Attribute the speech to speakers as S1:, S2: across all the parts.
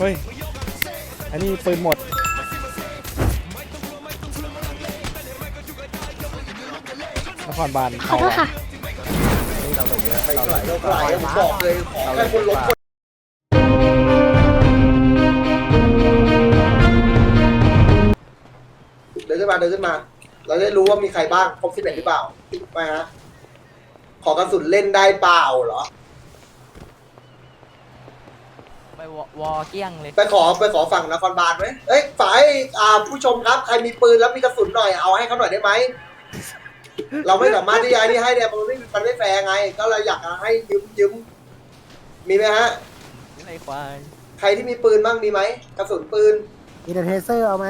S1: ฮ้ยอันนี้ปืนหมดนครบาล
S2: ขอโทษค่ะ
S3: เราเยอะ
S4: ไม่
S3: เรา
S4: ไหล
S3: เย
S4: เรา
S3: อะ
S4: ไหลผมบอกเลยขอแค่คนล้มคนเดินขึ้นมาเดินขึ้นมา เราได้รู้ว่ามีใครบ้างครบ11หรือเปล่าไม่ฮะขอกระสุนเล่นได้เปล่าเหรอ
S3: ไปวอเกี้ยงเลย
S4: ไปขอฝั่งนครบาลไหมเอ้ยฝ่ายผู้ชมครับใครมีปืนแล้วมีกระสุนหน่อยเอาให้เขาหน่อยได้ไหมเราไม่สามารถที่จะนี่ให้เนี่ยมันไม่แฟร์ไง ก็เลยอยากให้ยืมมีไหมฮะ
S3: ไอ้ควาย
S4: ใครที่มีปืนบ้างมีไหมกระสุนปืน
S5: มีแต่เทเซอร์เอาไหม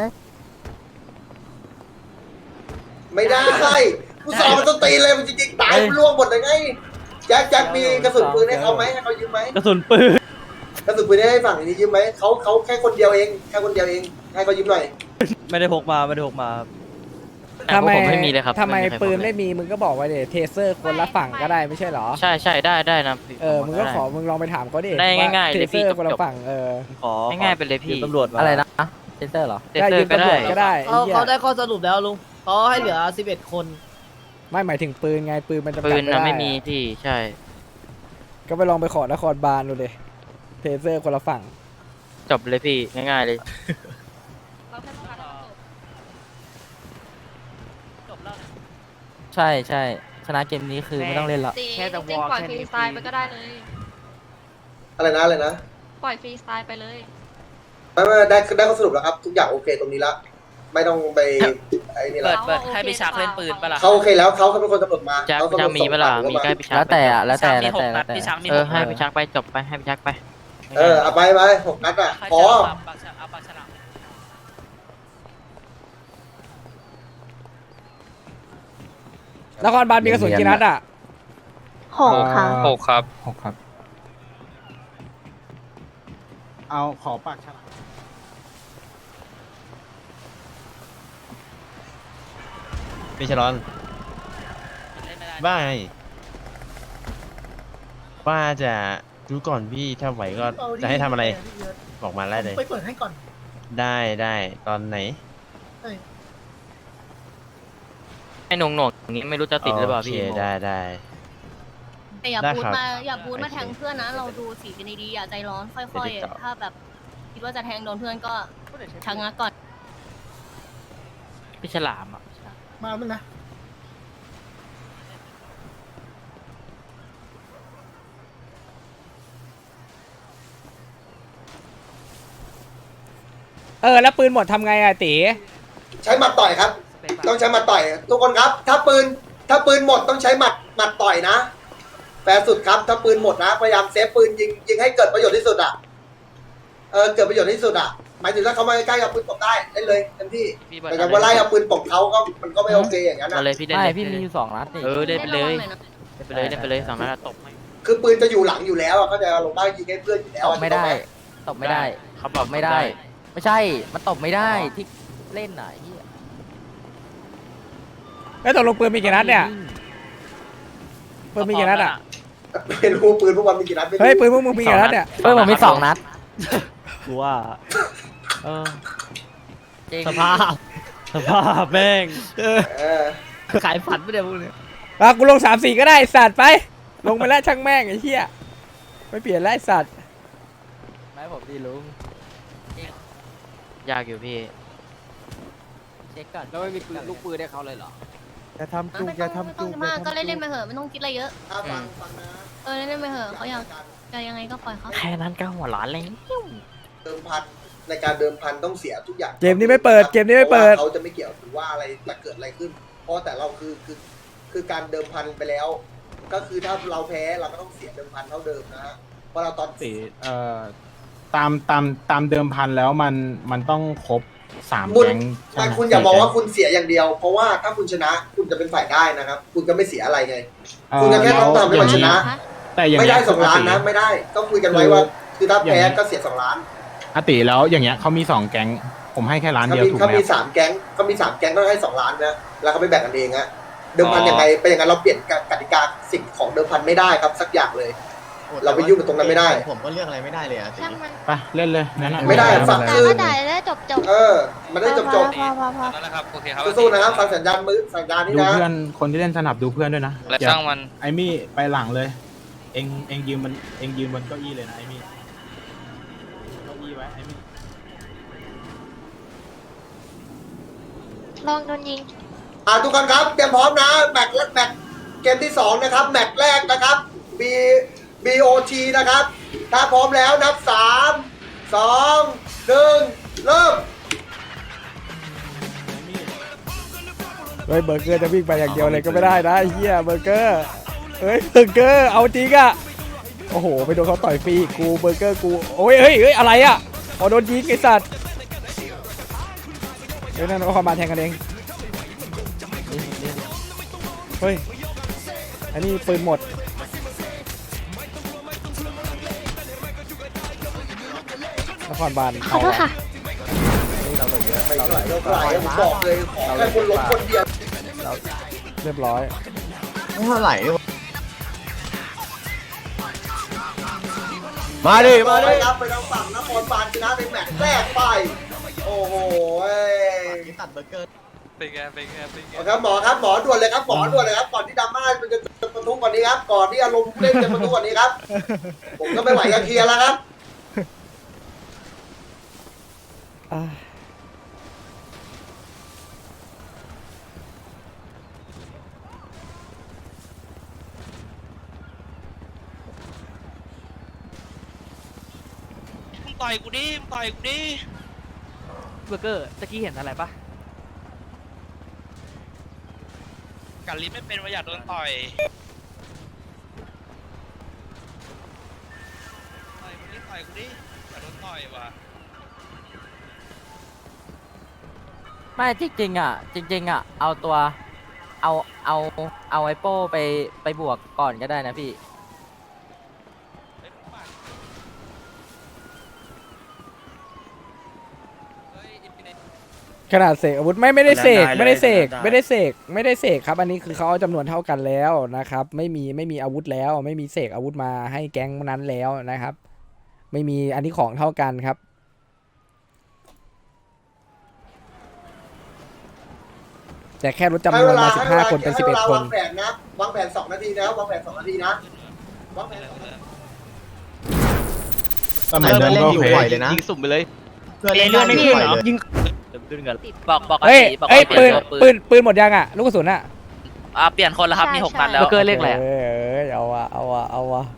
S4: ไม่ได้กูสอบมันต้องตีเลยมันจริงๆตายมันล่วงหมดเลยไงแจ็คมีกระสุนปืนให้เขาไหมให้เขายืมไหม
S1: กระสุนปืน
S4: กระสุนปืนให้ฝั่งนี้ยืมไหมเขาแค่คนเดียวเองแค่คนเดียวเองให้เขายืมหน่อย
S1: ไม่ได้พกมา
S3: ทำไมผมไม่มีเลยครับ
S1: ทำไม
S3: ใคร
S1: ปืน
S3: พกเลย
S1: ไม่มีมึงก็บอกไว้เดี๋ยวเทเซอร์คนละฝั่งก็ได้ไม่ใช่เหรอ
S3: ใช่ใช่ได้นะพี่
S1: มึงก็ขอมึงลองไปถามเขาดิ
S3: ได้
S1: ว่
S3: ง่ายๆ
S1: เท
S3: เลย
S1: เซ
S3: พี่
S1: อร์คนละ
S3: จบ
S1: ฝั่ง
S6: ขอ
S3: ง่ายๆไปเลยพี่
S6: ตำรวจอะไรนะเซนเตอร์เหรอ
S3: เซนเตอร์ก็ได้
S1: ก็ได้ไอ้เหี้ย
S7: เขาได้ข้อสรุปแล้วลุงเขาให้เหลือ11 คน
S1: ไม่หมายถึงปืนไงปืนมันจำกัด
S3: ปืน
S1: ไม่
S3: นะ
S1: ได้
S3: ไม่มีพี่ใช่
S1: ก็ไปลองไปขอนครบาลดูเลยเทเซอร์คนละฝั่ง
S3: จบเลยพี่ง่ายๆเลย
S6: ใช่ใช่ชนะเกมนี้คือไม่ต้องเล่นละ
S2: แค่แต่วอลปล่อยฟรีสไตล์ไปก็ได้เลย
S4: อะไรนะ
S2: ปล่อยฟรีสไตล์ไปเลย
S4: ไม่ได้ข้อสรุปแล้วครับทุกอย่างโอเคตรงนี้ละไม่ต้องไปไอ้นี่ละ
S2: เปิดให้พี่ชักเล่นปืนปะล่ะ
S4: เขาโอเคแล้วเขาเป็นคนกำหนดมา
S3: จัก
S4: เขา
S3: จะมีเวลามีใกล้พี่ชัก
S6: แล้วแต่อะแล้วแต่
S3: ให้พี่ชักไปจบไปให้พี่ชักไป
S4: เอาไป6 นัดอ่ะพอน
S1: ครบาลมีกระสุนกี่นัดอ่ะ
S2: 6 ค่ะ
S8: 6 ครับ
S5: 6 ครับ เอาขอปากฉลาม
S8: พี่ชลอนว่าไงว่าจะดูก่อนพี่ถ้าไหวก็จะให้ทำอะไร บอกมาได้เลย
S7: ไปเปิดให้ก่อน
S8: ได้ตอนไหน
S3: ให้หน่วงอย่างนี้ไม่รู้จะติดหรือเปล่าพี่
S8: โอเคได้
S2: แต่อย่า
S8: ได้
S2: พูด
S8: ครับ
S2: มาแทงเพื่อนนะ เราดูสีกันดีๆอย่าใจร้อนค่อย
S8: เดี๋ยว
S2: ๆ ถ้าแบบคิดว่าจะแทงโดนเพื่อนก็ชะงักก่อน
S3: พี่ฉลามอ่ะ
S7: มามึงนะ
S1: แล้วปืนหมดทำไงอะตี
S4: ใช้หมัดต่อยครับ ต้องใช้หมัดต่อย ทุกคนครับ ถ้าปืนหมดต้องใช้หมัดต่อยนะแฟร์สุดครับ ถ้าปืนหมดนะพยายามเซฟปืนยิงให้เกิดประโยชน์ที่สุดอ่ะเกิดประโยชน์ที่สุดอ่ะหมายถึงถ้าเขามาใกล้ๆกับปืนตกได้เล่นเลยเต็มที่แต่ถ้าว่าไล่เอาปืนตกเขาก็มันก็ไม่โอเคอย่างนั้น
S3: เอา
S4: นะ
S3: เลยพี่เล่น
S6: ไม่
S3: เลย
S6: พี่มีอยู่2 นัดนี่
S3: เล่นไปเลย
S2: หน่อยนะ
S3: เล่นไปเลย2 นัดตบไม่
S4: คือปืนจะอยู่หลังอยู่แล้วอะเขาจะลงได้ยิงให้เพื่อนอยู่แล้ว
S6: ตบไม่ได้ตบไม่ได้
S3: เขาบอก
S6: ไม่ได้ ไม่ใช่มันตบไม่ได้ที่เล่นไหน
S1: แล้วตกลงปืนมีกี่นัดเนี่ยปืนมีกี่นัดอ่ะ
S4: ไม่รู้ปืนพวกมันมีกี่นัดไม่รู้
S1: เฮ้ยปืนพวกมึงมีกี่นัดเนี่ย
S6: เฮ้ยผมมี2 นัด
S1: กูว่า
S6: จริง
S1: สภาพแม่ง
S7: ขายฝันไม่ได้พวกนี้
S1: กูลง3-4ก็ได้สัตว์ไปลงไปแล้วช่างแม่งไอ้เหี้ยไม่เปลี่ยนแล้วไอ้สัตว์
S6: ไม่ผมดีลุง
S3: ยากอยู่พี่
S6: เช็คก่อนแล้วไม่มีปืนลูกปืนได้เขาเลยเหรอ
S5: อย่าทำจุก
S2: ไม่
S5: อย่า
S2: ต้อง
S5: ทำ
S2: คิ
S5: จุ
S2: ด
S5: ก
S2: มากก็เล่นๆไปเถอะไม่ต้องคิดอะไรเยอะ
S4: ฟังนะ
S2: เล่นๆไปเถอะเขาอยากจะยังไงก็ปล่อยเขา
S3: แค่นั้นก็หัวล้านเลย
S4: เดิมพันในการเดิมพันต้องเสียทุกอย่าง
S1: เกมนี้ไม่เปิด
S4: เขาจะไม่เกี่ยวถือว่าอะไรจะเกิดอะไรขึ้น เพราะแต่เราคือการเดิมพันไปแล้ว ก็คือถ้าเราแพ้เราก็ต้องเสียเดิมพันเท่าเดิมนะฮะเพราะเราตอน
S5: ตามเดิมพันแล้วมันต้องครบ3
S4: บุญ
S5: แก๊ง
S4: แต่คุณอย่ามองว่าคุณเสียอย่างเดียว เพราะว่าถ้าคุณชนะคุณจะเป็นฝ่ายได้นะครับ คุณก็ไม่เสียอะไรไง คุณก็แค่ต้องทำให้มันชนะ
S5: แต่อย่าง
S4: ไม่ได้
S5: เงี้ย
S4: 2 ล้านนะไม่ได้ก็คุยกันไว้ว่า คือถ้าแพ้ก็เสีย2 ล้าน
S5: อติแล้วอย่างเงี้ยเขามี2 แก๊งผมให้แค่ล้านเดียวถูกไห
S4: เขา
S5: ม
S4: มี3 แก๊งต้องให้2 ล้านนะแล้วเขาไม่แบ่งกันเองฮะเดิมพันยังไงเป็นอย่างนั้นเราเปลี่ยนกติกาสิ่งของเดิมพันไม่ได้ครับสักอย่างเลยเราไปยุ่งกับตรงนั้นไม่ได้
S8: ผมก็เลือกอะไรไม่ได้เลยอะ
S9: ช่างมัน
S5: ไปเล่นเลยงั้นอะ
S4: ไม่ได้ฝั่ง
S9: ด่า
S4: คือ
S9: ก็ด่าแล้วจบจบ
S4: มันได้จบ
S9: พอ
S4: สู้ๆนะครับฟังสัญญาณมือสัญญาณนี้
S5: ดู
S4: นะ
S5: เพื่อนคนที่เล่นสนับดูเพื่อนด้วยนะ
S3: และช่างมัน
S5: ไอมี่ไปหลังเลย เองยืนบนเก้าอี้เลยนะไอมี่เก้าอี้ไว้ไอมี่
S9: ลองโดนยิง
S4: ทุกคนครับเตรียมพร้อมนะแมตช์เกมที่2นะครับแมตช์แรกนะครับ BOT นะครับ ถ้าพร้อมแล้วนับ3 2 1 เริ่ม
S1: เฮ้ยเบอร์เกอร์จะวิ่งไปอย่างเดียวเลยก็ไม่ได้นะไอ้เหี้ยเบอร์เกอร์เฮ้ยเบอร์เกอร์เอาจริงอะโอ้โหไปโดนเขาต่อยฟรีกูเบอร์เกอร์กูโอ้ยเฮ้ยอะไรอะอ๋อโดนยิงไอ้สัตว์เฮ้ยนั่นก็ความมาแทงกันเองเฮ้ยอันนี้ปืนหมดนครบาล
S9: ขอโทษค่ะ
S1: เราเหลือเยอะ
S4: ไม่
S1: เรา
S4: ไห
S1: เห
S4: ล
S1: ลือ
S4: เราไหลผมบอกเลยขอแค่คนล้มคนเดียว
S1: เรียบร้อย
S8: ไม่เท่าไหร่
S4: มาดิครับไปทางฝั่งนครบาลชนะในแมตช์แรกไปโอ้โห
S8: ตัดเบอร์เกอร์
S4: โอเคหมอครับหมอด่วนเลยครับหมอด่วนเลยครับก่อนที่ดราม่ามันจะประทุกกว่านี้ครับก่อนที่อารมณ์เล่นจะประทุกกว่านี้ครับผมก็ไม่ไหวกับเคลียร์แล้วครับ
S3: ต่อยกูดิต่อยกูดิ
S6: เบอร์เกอร์ตะกี้เห็นอะไรปะ
S3: กัดลิ้นไม่เป็นว่าอยากโดนต่อยต่อยกูดิอยากโดนต่อยว่ะ
S6: ไม่จริงๆอ่ะเอาตัวเอาไอโป้ไปบวกก่อนก็ได้นะพี่
S1: ขนาดเสกอาวุธไม่ได้เสกครับอันนี้คือเขาเอาจำนวนเท่ากันแล้วนะครับไม่มีอาวุธแล้วไม่มีเสกอาวุธมาให้แก๊งนั้นแล้วนะครับ ไม่มีอันนี้ของเท่ากันครับแต่แค่ลดจำนวนมา15คนเป็น11 คน
S4: วางแผนนะวางแผน2 นาทีนะวางแผน2 นาทีนะวางแผน2 นาที
S5: ก็เหมือนเดิมก็โอเค
S3: ยิงสุ่มไปเลย
S8: เพื่อนเล่นไม่ขึ้นเหรอยิง
S3: ขึ้นกันบอก
S1: เฮ้ย
S3: บอก
S1: เอ้ยปืนหมดยังอ่ะลูกกระสุนอ่ะ
S3: เปลี่ยนคนแล้วครับมี
S9: ใช่
S3: 6 นัดแล้ว
S6: เบอร์เกอร์เลขอะไรอะ
S1: เอ้ยเอาวะ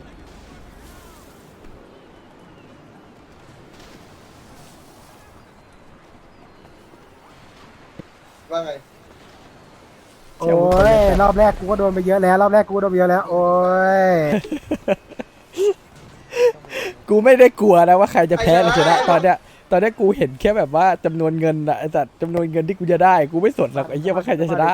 S4: ว่าไง
S7: โอ้ยรอบแรกกูก็โดนไปเยอะแล้วโอ้ย
S1: กูไม่ได้กลัวนะว่าใครจะแพ้หรือชนะตอนเนี้ยกูเห็นแค่แบบว่าจำนวนเงินอะไอ้สัตว์จำนวนเงินที่กูจะได้กูไม่สนหรอกไอ้เหี้ยว่าใครจะชนะ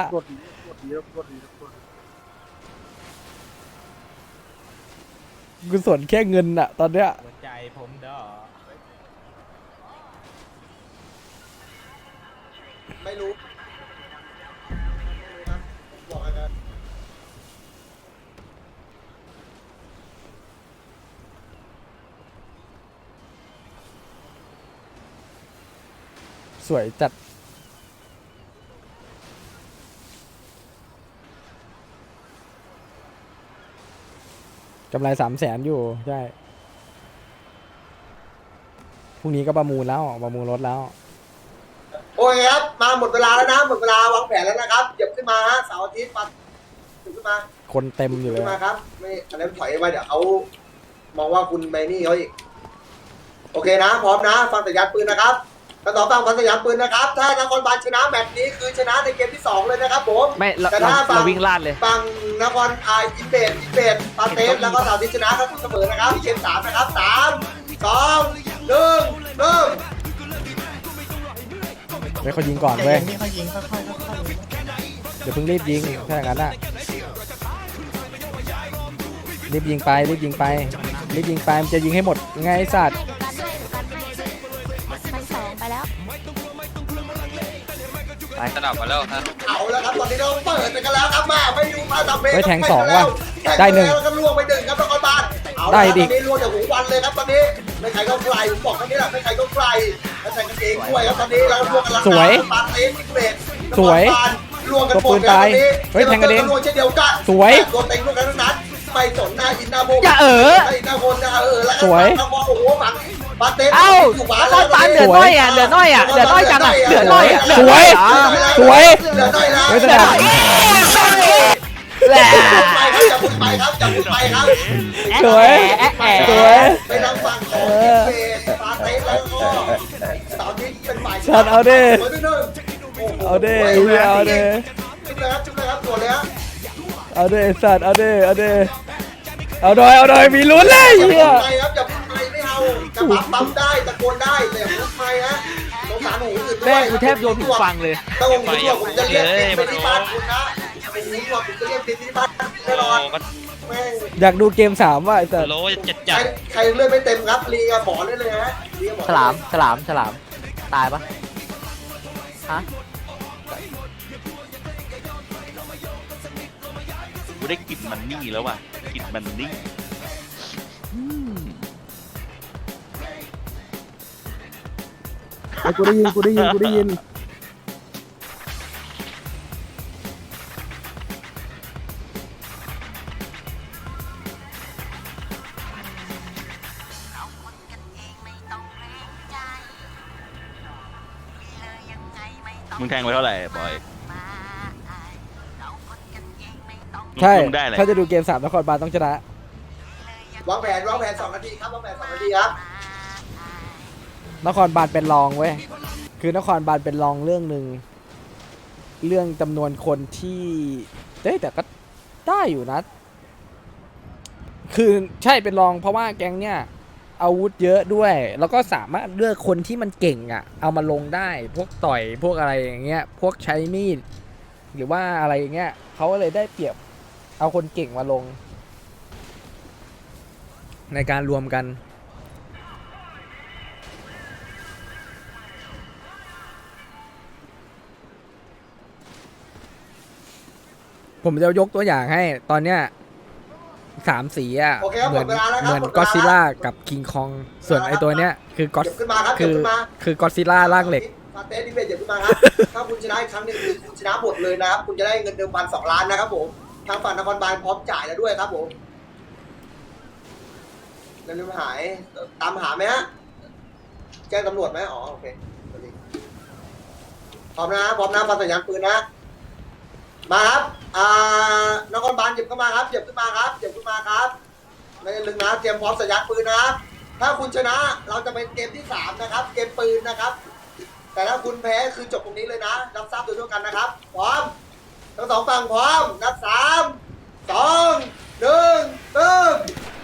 S1: กูสนแค่เงินอะตอนเนี้ย
S5: หัวใจผมเด้อ
S4: ไม่รู้บอกให้นะ
S1: สวยจัดกำไร300,000อยู่ใช่พรุ่งนี้ก็ประมูลรถแล้ว
S4: โอเคครับมาหมดเวลาแล้วนะหมดเวลาวางแผนแล้วนะครับเหยียบขึ้นมาฮะเสาร์อาทิตย์มาขึ้นมา
S1: คนเต็มอยู่เล
S4: ขึ้
S1: ย
S4: นมาครับไม่อันนั้นถอยมาเดี๋ยวเขามองว่าคุณไปนี่เขาอีกโอเคนะพร้อมนะฟังสัญญาณปืนนะครับทั้งสองฝั่งฟังสัญญาณปืนนะครับถ้านครบาลชนะแบบนี้คือชนะในเกมที่2เลยนะครับผม
S6: ไม่เรา
S4: แต่ถ้าฝั่ง
S6: เราวิ่งลาดเลย
S4: ฝั่งนครอินเบดปาเตสแล้วก็สาวที่ชนะครับเสมอนะครับเกม3นะครับ3 2 1เริ่ม
S1: เว้ยเขายิงก่อนเว้ยเดี๋ยวเพิ่งรีบยิงถ้าอย่างนั้นอะรีบยิงไปมันจะยิงให้หมดไงไอ้สัตว์
S9: มันสองไปแล้ว
S3: สนับมาแล้วครับ
S4: เอาแล้วครับตอนนี้เราเปิดไปกันแล้วครับมาไม่ดูมาทำเพลง
S1: เฮ้ยแทง2ว่ะได้1
S4: แล้วก็ล่วงไป1ครับนครบาลเอา
S1: ได้
S4: ละ
S1: ดิ
S4: ตอนนี้รวมจากหูวันเลยครับตอนนี้ไม่ใครก็ใครผมบอกตอนนี้แหละไม่ใครก็ใครแล้วใส่กางเกงด้วยครับตอนนี้แล้วรวมกัน
S1: สวย
S4: ปาเต้นเกรด
S1: สวย
S4: รวมกันหม
S1: ตัวปื
S4: ด
S1: น
S4: แล้ว
S1: ตาย
S4: ตอนนี้
S1: เฮ้ยแทงกระเด็น
S4: รวมเช่นเดียวกัน
S1: สวย
S4: รวมเต็งรวมกันทั้งนั้นไม่สนหน้าอินหน้าโบ
S6: อย่า
S4: หน้าอินหน้าโบนหน้าแล้วก็
S1: สวย
S4: โอ้โหฝังปาเต้น
S6: เอ้า
S4: อยู่บ้า
S6: แล้วก็ปานเหลือน้อยอ่ะเหลือน้อยอ่ะเหลือน้อยจังอ่ะเหลือน้อยอ่ะ
S1: สวย สวย
S4: เหลือน้อยแล้ว
S1: เฮ้ยสนาม
S6: แหละ
S4: อย่าพูดไปครับอย่าพูดไปครับ
S1: สวย สวย
S4: ไปทางฝั่งของเฟสปาเต้แล้วก็ตอนนี้เป็นฝ่าย
S1: สัตว์เอาดิ
S4: สวยด้วยหนึ่งโอ้โห
S1: เอาดิเอาดิ
S4: จุ๊บเลยครับจุ๊บเลยครับตัวเลยครับ
S1: เอาดิสัตว์เอาดิเอาดิเอาหน่อยเอาหน่อยมีลุ้นเลย
S4: อย่า
S1: เหี้ย
S4: พูดไปครับอย่าพูดไปไม่เอาจะปั๊มได้ตะโกนได้แต่อย่าพูดไปฮะสงสารหูอื่นด้วย
S6: แม่งกูแทบโยนผิดฟังเลย
S4: ถ้าผมหูหนวกผมจะเรียกติดไปที่บ้านคุณนะหูหนวกผมจะเรียกติดที่บ้านแน่นอนแม่ง
S1: อยากดูเกม3ว่ะไอ้สัตว์
S3: โลจัด
S4: ใครใครเลือดไม่เต็มครับลีกับหมอได้เลยฮะลีกับหมอ
S6: ฉลามฉลามฉลามตายปะฮะ
S10: กูได้กลิ่นมันนี่แล้วว่ะกลิ่นมันนี่
S7: ไอ้กูได้ยินกูได้ยินกูได้ยิน
S10: มึงแทงไปเท่าไหร่บอย
S1: ใช่
S10: มึงได้อะไร
S1: ถ้าจะดูเกม3นครบาลต้องชนะ
S4: วางแผน2 นาทีครับวางแผน2 นาทีครับ
S1: นครบาลเป็นรองเว้ย คือนครบาลเป็นรองเรื่องหนึ่ง เรื่องจำนวนคนที่เฮ้ยแต่ก็ได้อยู่นะ คือใช่เป็นรองเพราะว่าแก๊งเนี่ยอาวุธเยอะด้วย แล้วก็สามารถเลือกคนที่มันเก่งอ่ะ เอามาลงได้ พวกต่อยพวกอะไรอย่างเงี้ย พวกใช้มีด หรือว่าอะไรอย่างเงี้ยเขาก็เลยได้เปรียบเอาคนเก่งมาลง ในการรวมกัน ผมจะยกตัวอย่างให้ตอนเนี้ย3 สีอ่ะ
S4: โอเคครับ
S1: เหมือน
S4: หมดเวลาแล้วครับ
S1: เหมือน
S4: หมดเวลา
S1: ก็อดซิลล่ากับคิงคองส่วนไอตัวเนี้ยคือก็อด
S4: เดี๋ยวขึ้นมาครับ
S1: คื
S4: เดี๋ยว
S1: อ
S4: ขึ้นมา
S1: คือก็อดซิลล่าร่างเหล็ก
S4: ปาเต้ดิเบตเดี๋ยวขึ้นมาครับ ถ้าคุณชนะอีกครั้งหนึ่งคือคุณชนะหมดเลยนะครับ คุณจะได้เงินเดิมพัน2 ล้านนะครับผม ทางฝั่งนครบาลพร้อมจ่ายแล้วด้วยครับผมเงินลืมหาย ตามหาไหมฮะ แจ้งตำรวจไหมอ๋อโอเคพร้อมนะพร้อมนะฟังสัญญาณปืนนะ มาครับ นครบาลหยิบเข้ามาครับหยิบขึ้นมาครับหยิบขึ้นมาครับ ไม่ได้ลึงนะเตรียมพร้อมสัญญาณปืนนะครับ ถ้าคุณชนะเราจะเป็นเกมที่ 3 นะครับ เกมปืนนะครับ แต่ถ้าคุณแพ้คือจบตรงนี้เลยนะ รับทราบโดยทั่วกันนะครับ พร้อม ทั้งสองฝั่งพร้อม นับ 3 2 1 เริ่ม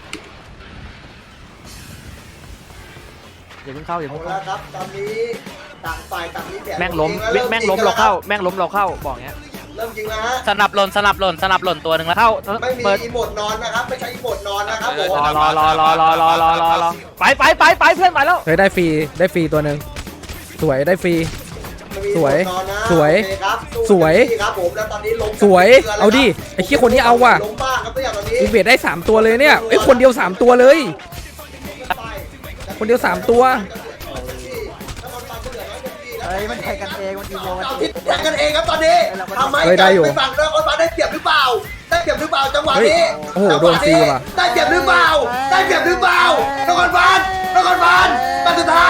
S6: อย่าเพิ่งเข้าอย่า
S4: เอา
S6: เพิ่ง
S4: ละ
S6: เข้า
S4: ครับ ตอนนี้ต่างฝ่ายต่างมีแผน
S6: แม่งล้ม
S4: ตัวเอ
S6: แม่งล้มเราเข้าแม่งล้มเราเข้าบอกเงี้ย
S4: เริ่มยิงแล้วฮะ
S3: สนับหล่นสนับหล่นสนับหล่นตัวหนึ่งแล้วเข้า
S4: ไม่มี
S6: เปิด
S4: อีโหมดนอนนะครับ ไม่ใช่อีโหมดนอนนะครับผม
S6: รอไปเพื่อนไปแล้ว
S1: เฮ้ยได้ฟรีตัวหนึ่งสวยได้ฟรี
S4: ไม่มี
S1: สวย
S4: อีโหมดนอนนะ
S1: สวย
S4: โอเคครับสู้
S1: สวย
S4: เต็มที่ครับผมแล้วตอนนี้ล้ม
S1: สวย
S4: กัน
S1: เอาดิไอ้เหี้ยคนนี้เอาว่ะ
S4: ล้มบ้างครับตัวอย่างตอนนี้
S1: อีเวทได้3ตัวเลยเนี่ยไอ้ยคนเดียว3ตัวเลย คนเดียว3ตัว
S7: เฮ้ยมันแทงกันเองมันอีโมกัน
S4: เอา
S7: เอ
S4: ที่
S7: ง
S4: แข่งกันเองครับตอนนี้ทำไม
S1: เฮ้ยได้อยู่
S4: ไปฝั่งนครบาลได้เปรียบหรือเปล่า ได้เปรียบหรือเปล่าจังหวะนี้
S1: เฮ้ยโอ้โห
S4: จังหวะ
S1: โดนฟรีว่ะ
S4: ได้เปรียบหรือเปล่า ได้เปรียบหรือเปล่านครบาลปันสุดท้าย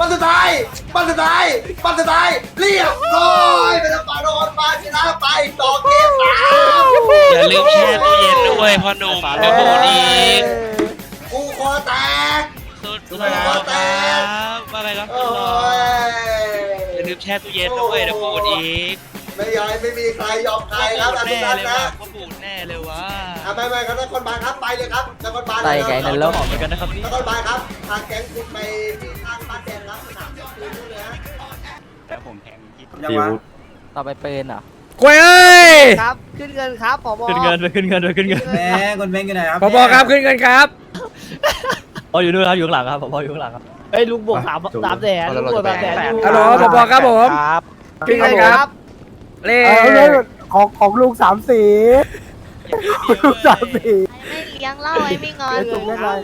S4: เรียบร้อยเป็นฝั่งนครบาลชนะไปต่อเกม 3
S3: อย่าลืมแช่ตู้เย็นด้วยพ่อหนุ่มกระโดดอีก
S4: กูคอแตก
S3: สุด
S4: ค
S3: แล้
S4: อ
S3: ว
S4: แตก
S3: ว่าไงครับ
S4: โอ้ย
S3: อย่าลืมแช่ตู้เย็นด้วยเดี๋ยวปูดอีก
S4: ไม่มีใครยอมใครครับทุก
S3: แน่
S4: ท่าน
S3: เลย
S4: นะ
S3: ว่ะก็ปูดแน่เลยวะ
S4: ไม่ครับนครบาลครับไปเลยครับนครบาล
S6: ใส่ไก่นั่นแล้ว
S3: เหมือนกันนะครับ
S4: นครบาลครับทางแก๊งคุณไปที่ทางบ้านแดงครับสนามเจ้าปืนนู่นเลยฮะ
S10: แล้วผมแทงคิด
S6: ต่อไปเป็นเหรอ
S1: กล้วยเอ้ย
S7: ครับขึ้นเงินครับผบ
S3: ขึ้นเงินไปขึ้นเงินไปขึ้นเงิน
S5: แม่คนเม้งกันไหนครับ
S1: พบครับขึ้นเงินครับ
S3: อ๋ออยู่ด้วยครับอยู่ข้างหลังครับผมอยู่ข้างหลังครับเอ้ยลุงบวก3 แสนลุงบวก3 แสน
S1: ฮัลโหลพบครับผมขึ้นเงินครับเลข
S7: ของลุง3 สีลุง3 สี
S9: ยังเล่าไอ้ไม่งอน
S7: ไอ้จุกเรียกอะไร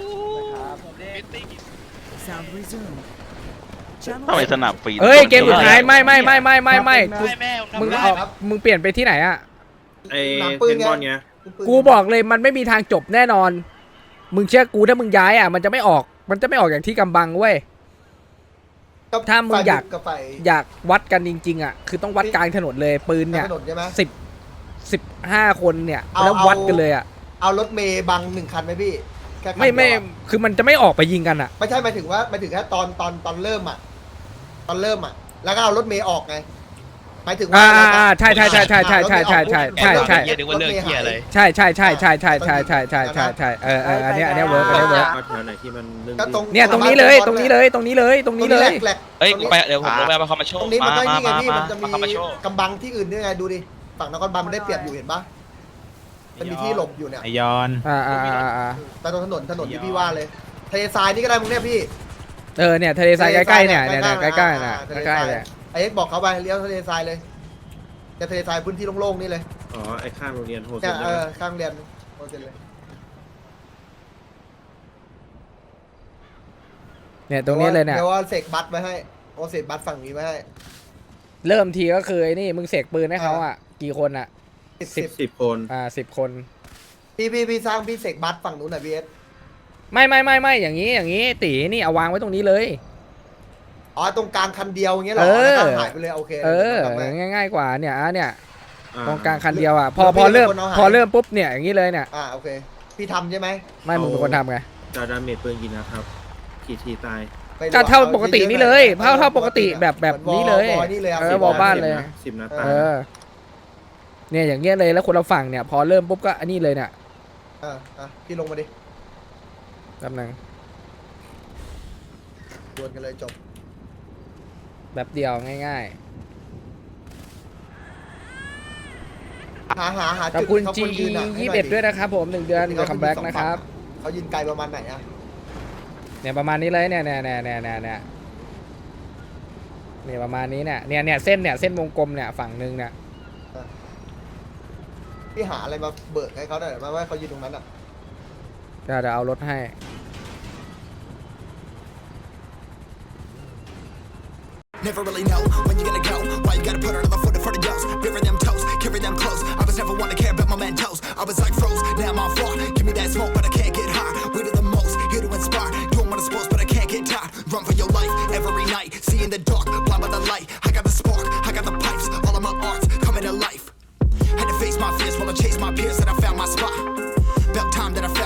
S10: ทำไมสนับฟรี
S1: เฮ้ยเกมสุดท้ายไม่มึงเปลี่ยนไปที่ไหนอะ
S5: ไอ้
S4: หนังปืน
S5: เทนบอลไง
S1: กูบอกเลยมันไม่มีทางจบแน่นอน มึงเชื่อกูถ้ามึงย้ายอะมันจะไม่ออกอย่างที่กำบังเว้ย ถ้ามึงอยาก
S4: กับไฟ
S1: อยากวัดกันจริงๆอะคือต้องวัดกลางถนนเลยปืนเนี่ย
S4: ถนนใช่ไหม
S1: 15 คนเนี่ยแล้ววัดกันเลยอะ
S4: เอารถเมย์บัง1 คันไหมพี่แค่คัน
S1: ไม่
S4: เดียวอะ
S1: คือมันจะไม่ออกไปยิงกันอะ
S4: ไม่ใช่หมายถึงแค่ตอนเริ่มอ่ะแล้วก็เอารถเมย์ออกไงหมายถึงว่า
S1: ใช่อันเนี้ยเวิร์ก
S5: เอาแถวไหนที่มันเรื่อง
S4: ก็ตรง
S1: เนี่ยตรงนี้เลยตรงนี้เลย
S4: แหลก
S10: เฮ้ยไปเดี๋ยวผมลงไปมาเข้ามาโช
S4: ต
S10: ว์
S4: รงนี้มันก็นี่ไงพี่
S10: มา
S4: มันจะมี
S10: เข้ามาโชว์
S4: กำบังที่อื่นด้วยไงดูดิฝั่งนครบาลมันได้เปรียบอยู่เห็นปะมันมีที่หลบอยู่เนี่ย
S5: ไอยอน
S4: แต่ตรงถนนที่พี่ว่าเลยทะเลทรายนี่ก็ได้มึงเนี่ยพี่
S1: เนี่ยทะเลทรายใกล้ๆเนี่ยใกล้ๆเนี่ยใกล้ๆเลย
S4: ไอ้เอ็กบอกเขาไปเลี้ยวทะเลทรายเลยจะทะเลทรายพื้นที่โล่งๆนี่เลย
S5: อ๋อไอข้างโรงเรียนโฮเซ
S4: เนี่ย
S5: นใช่ไหม
S4: ข้างเรียนโอเคเลย
S1: เนี่ยตรงนี้เลยเนี่ย
S4: เดี๋ยวว่าเสกบัตรไว้ให้เสกบัตรฝั่งนี้ไว้ให้
S1: เริ่มทีก็คือไอ้นี่มึงเสกปืนให้เขาอ่ะกี่คนอ่ะ
S5: 10 คน
S1: 10 คน
S4: พี่สร้างพี่เสกบัตรฝั่งนู้นหน่อยพี่เอส
S1: ไม่อย่างนี้ตีนี่เอาวางไว้ตรงนี้เลย
S4: อ๋อตรงกลางคันเดียวอย่างเงี้ยเหรอแล้วก็หายไปเลยโอเค
S1: ง่ายกว่าเนี่ยเนี่ย
S5: อ่า
S1: ตรงกลางคันเดียวอ่ะพอเริ่มปุ๊บเนี่ยอย่างนี้เลยเนี่ย
S4: โอเคพี่ทำใช่ไหม
S1: ไม่มึงเป็นคนทำไง
S5: จะดาเมจปืนกี่นะครับกี่ทีตาย
S1: ก็เท่าปกตินี่เลยเท่าปกติแบบนี้เลย
S4: นี่เลย
S1: วอลบ้านเลย
S5: 10 นัดตาย
S1: เนี่ยอย่างเงี้ยเลยแล้วคนเราฝั่งเนี่ยพอเริ่มปุ๊บก็อันนี้เลยเนี่ย
S4: พี่ลงมาดิ
S1: แป๊บนึง
S4: ดวลกันเลยจบ
S1: แบบเดียวง่าย
S4: หา
S1: ๆขอบ
S4: จุด
S1: คุณ
S4: เขา
S1: GE
S4: ยืนให้หน่อ
S1: 21ด้วยนะครับผม1 เดือนกับคัมแบ็กนะครับ
S4: เขายืนไกลประมาณไหนอะ
S1: เนี่ยประมาณนี้เลยเนี่ยเนี่ยประมาณนี้เนี่ยเส้นวงกลมเนี่ยฝั่งหนึ่งเนี่ย
S4: พี่หาอะไรมาเบิกให้เขาหน่อยมาว่าเขายืนตรงนั้นอะ
S1: เดี๋ยวเอารถให้
S11: Never really know when you're gonna go. Why you gotta put another foot in front of yours? Bury them toes, carry them close. I was never one to care about my mentos. I was like froze, now I'm on floor. Give me that smoke, but I can't get high.